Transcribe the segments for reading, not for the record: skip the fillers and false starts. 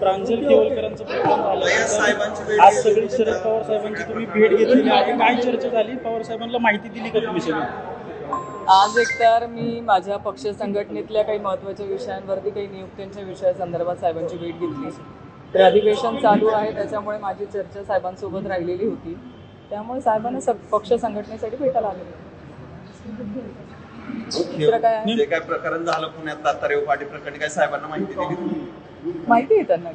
प्रांजल केवलकरांचं प्रकरण झालं, आज सगळी शरद पवार साहेबांची तुम्ही भेट घेतलेली आहे, काय चर्चा झाली? पवार साहेबांना माहिती दिली का तुम्ही सगळी? आज एकतर मी माझ्या पक्ष संघटनेतल्या काही महत्त्वाच्या विषयांवरती काही नियुक्त्यांच्या विषयासंदर्भात साहेबांची भेट घेतली. तर अधिवेशन चालू आहे, त्याच्यामुळे माझी चर्चा साहेबांसोबत राहिलेली होती. त्यामुळे साहेबांना पक्ष संघटनेसाठी भेटायला आले. दुसरं काय आहे? जे काय प्रकरण झालं पुण्यात तातारेव पाटी प्रकरणी काय साहेबांना माहिती दिली? माहिती आहे त्यांना.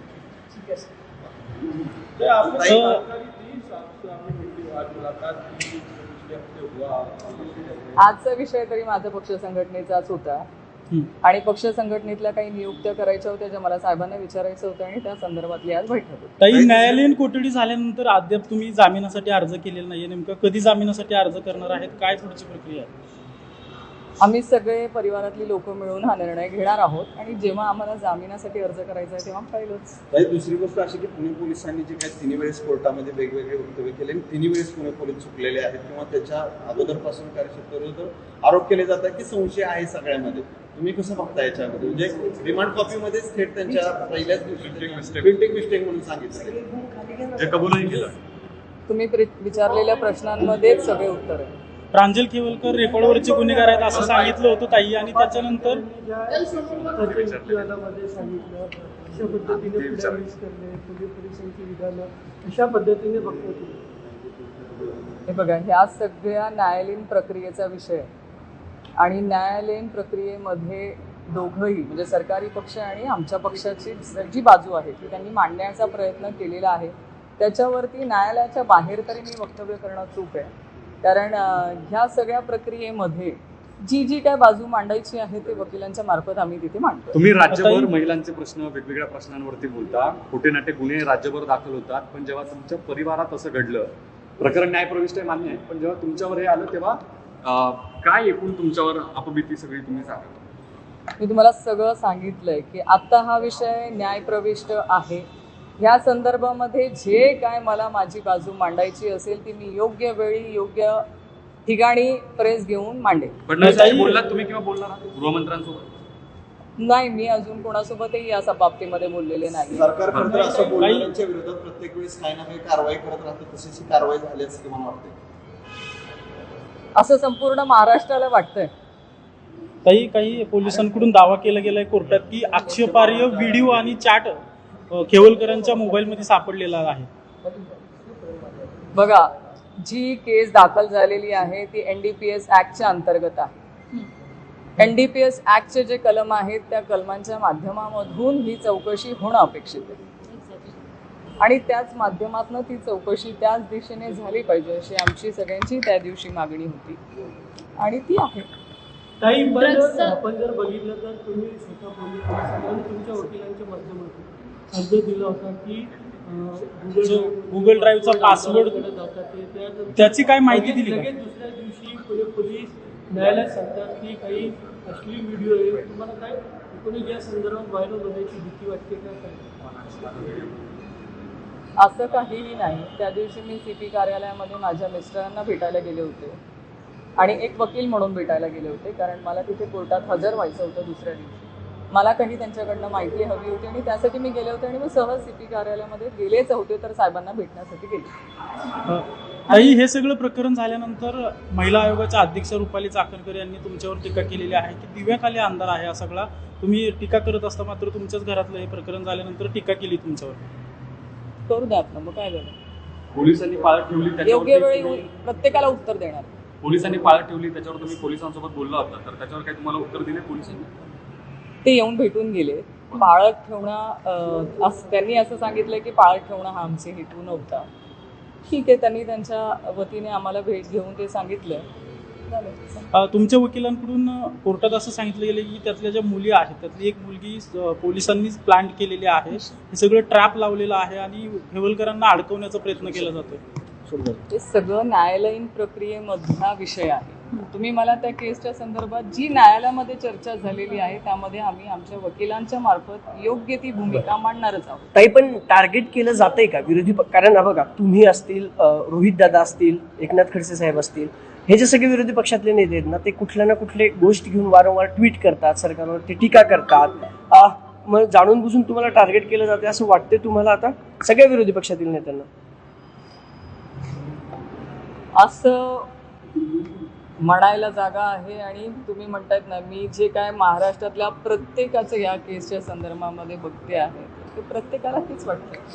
आजचा विषय तरी माझा पक्ष संघटनेचाच होता आणि पक्ष संघटनेतल्या काही नियुक्त्या करायच्या होत्या ज्या मला साहेबांना विचारायचं होतं आणि त्या संदर्भातली आज बैठक होती. ताई, न्यायालयीन कोठडी झाल्यानंतर अद्याप तुम्ही जामिनासाठी अर्ज केलेला नाहीये, नेमकं कधी जामिनासाठी अर्ज करणार आहेत? काय पुढची प्रक्रिया आहे? आम्ही सगळे परिवारातली लोक मिळून हा निर्णय घेणार आहोत आणि जेव्हा आम्हाला जामिनासाठी अर्ज करायचा आहे तेव्हा पाहिलंच. ताई, दुसरी गोष्ट अशी की पुणे पोलिसांनी जे काही तिन्ही वेळेस कोर्टामध्ये वेगवेगळे वक्तव्य केले, तिन्ही वेळेस पुणे पोलीस चुकलेले आहेत किंवा त्याच्या अगोदरपासून कार्यक्षेत्रावर आरोप केले जातात की संशय आहे सगळ्यामध्ये. तुम्ही कसं बघता याच्यामध्ये? म्हणजे रिमांड कॉपीमध्येच थेट त्यांच्या पहिल्याच दिवशी प्रिंटिंग मिस्टेक म्हणून सांगितलं, जे कबूलही केलं. तुम्ही विचारलेल्या प्रश्नांमध्येच सगळे उत्तर आहे. प्रांजल केवलकर रेकॉर्डवरचे गुन्हेगार आहेत असं सांगितलं होतं ताई, आणि त्याच्यानंतर अशा पद्धतीने बघतो. हे बघा, ह्या सगळ्या न्यायालयीन प्रक्रियेचा विषय आणि न्यायालयीन प्रक्रियेमध्ये दोघंही म्हणजे सरकारी पक्ष आणि आमच्या पक्षाची जी बाजू आहे ती त्यांनी मांडण्याचा प्रयत्न केलेला आहे. त्याच्यावरती न्यायालयाच्या बाहेर तरी मी वक्तव्य करणं चूक आहे, कारण ह्या सगळ्या प्रक्रियेमध्ये जी काय बाजू मांडायची आहे ते वकिलांच्या मार्फत आम्ही तिथे मांडतो. तुम्ही राज्यभर महिलांचे प्रश्न, वेगवेगळ्या प्रश्नांवरती बोलता, खोटे नाटे गुन्हे राज्यभर दाखल होतात, पण जेव्हा तुमच्या परिवारात असं घडलं, प्रकरण न्यायप्रविष्ट आहे मान्य आहे, पण जेव्हा तुमच्यावर हे आलं तेव्हा काय एकूण तुमच्यावर अपभीती सगळी तुम्ही सांगा? मी तुम्हाला सगळं सांगितलंय की आता हा विषय न्यायप्रविष्ट आहे. ह्या संदर्भामध्ये जे काय मला माझी बाजू मांडायची असेल ती मी योग्य वेळी योग्य ठिकाणी प्रेस घेऊन मांडेल. बोललात तुम्ही किंवा बोलणार गृहमंत्र्यांसोबत? नाही, मी अजून कोणासोबतही या बाबतीमध्ये बोललेले नाही. सरकार खरं तर असं बोलण्याच्या विरोधात प्रत्येक वेळेस काही ना काही कारवाई करत राहतं, तशीच ही कारवाई झाली असं तुम्हाला वाटते? असं संपूर्ण महाराष्ट्राला वाटतंय. काही पोलिसांकडून दावा केला गेलाय कोर्टात की आक्षेपार्ह व्हिडिओ आणि चॅट केवलकरांच्या मोबाईलमध्ये सापडलेला आहे. बघा, जी केस दाखल झालेली आहे ती NDPS ऍक्टच्या अंतर्गत आहे. NDPS ऍक्टचे जे कलम आहेत त्या कलमांच्या माध्यमामधून ही चौकशी होणं अपेक्षित आहे आणि त्याच माध्यमातून ती चौकशी त्याच दिशेने झाली पाहिजे अशी आमची सगळ्यांची त्या दिवशी मागणी होती आणि ती आहे. काही आपण जर बघितलं तर तुम्ही स्वतः पोलिसांनी तुमच्या वकिलांच्या माध्यमातून अर्ज दिला होता की गुगल ड्राईव्हचा पासवर्ड त्याची काय माहिती दिली? लगेच दुसऱ्या दिवशी पुणे पोलीस न्यायालयात सांगतात की काही अश्लील व्हिडिओ आहे. तुम्हाला काय एकूणच या संदर्भात व्हायरल होण्याची भीती वाटते का? काय असं काहीही नाही. त्या दिवशी मी CP कार्यालयामध्ये माझ्या मिस्टरांना भेटायला गेले होते आणि एक वकील म्हणून भेटायला गेले होते, कारण मला तिथे कोर्टात हजर व्हायचं होतं दुसऱ्या दिवशी. मला काही त्यांच्याकडनं माहिती हवी होती आणि त्यासाठी मी गेले होते आणि मी सहज CP कार्यालयामध्ये गेलेच होते तर साहेबांना भेटण्यासाठी गेले. ताई, हे सगळं प्रकरण झाल्यानंतर महिला आयोगाच्या अध्यक्ष रुपाली चाकणकर यांनी तुमच्यावर टीका केलेली आहे की दिव्याखाली अंधार आहे हा सगळा. तुम्ही टीका करत असता मात्र तुमच्याच घरातलं हे प्रकरण झाल्यानंतर टीका केली तुमच्यावर. करू द्या आपलं, मग काय झालं? पोलिसांनी पाळत ठेवली, योग्य वेळी प्रत्येकाला उत्तर देणार. पोलिसांनी पाळत ठेवली, त्याच्यावर तुम्ही पोलिसांसोबत बोलला होता, तर त्याच्यावर काही तुम्हाला उत्तर दिले पोलिसांनी? ते येऊन भेटून गेले. पाळत ठेवणं त्यांनी असं सांगितलं की पाळत ठेवणं हा आमचे हेतू नव्हता. ठीक आहे, त्यांनी त्यांच्या वतीने आम्हाला भेट घेऊन ते सांगितलं. तुमच्या वकिलांकडून कोर्टात असं सांगितलं गेलं की त्यातल्या ज्या मुली आहेत त्यातली एक मुलगी पोलिसांनीच प्लांट केलेली आहे, हे सगळं ट्रॅप लावलेलं आहे आणि केवलकरांना अडकवण्याचा प्रयत्न केला जातोय. हे सगळं न्यायालयीन प्रक्रियेमधला विषय आहे. तुम्ही मला त्या केसच्या संदर्भात जी न्यायालयामध्ये चर्चा झालेली आहे त्यामध्ये आम्ही आमच्या वकिलांच्या मार्फत योग्य ती भूमिका मांडणारच आहोत. ताई, पण टार्गेट केलं जातंय का विरोधी कारण बघा, तुम्ही असतील, रोहित दादा असतील, एकनाथ खडसे साहेब असतील, हे जे सगळे विरोधी पक्षातले नेते आहेत ना, ते कुठल्या ना कुठले गोष्ट घेऊन वारंवार ट्विट करतात, सरकारवर ते टीका करतात. मग जाणून बुजून तुम्हाला टार्गेट केलं जाते असं वाटते तुम्हाला आता सगळ्या विरोधी पक्षातील नेत्यांना? असं म्हणायला जागा आहे. आणि तुम्ही म्हणतायत ना, मी जे काय महाराष्ट्रातल्या प्रत्येकाचं या केसच्या संदर्भामध्ये बघते आहे ते प्रत्येकाला हेच वाटतं.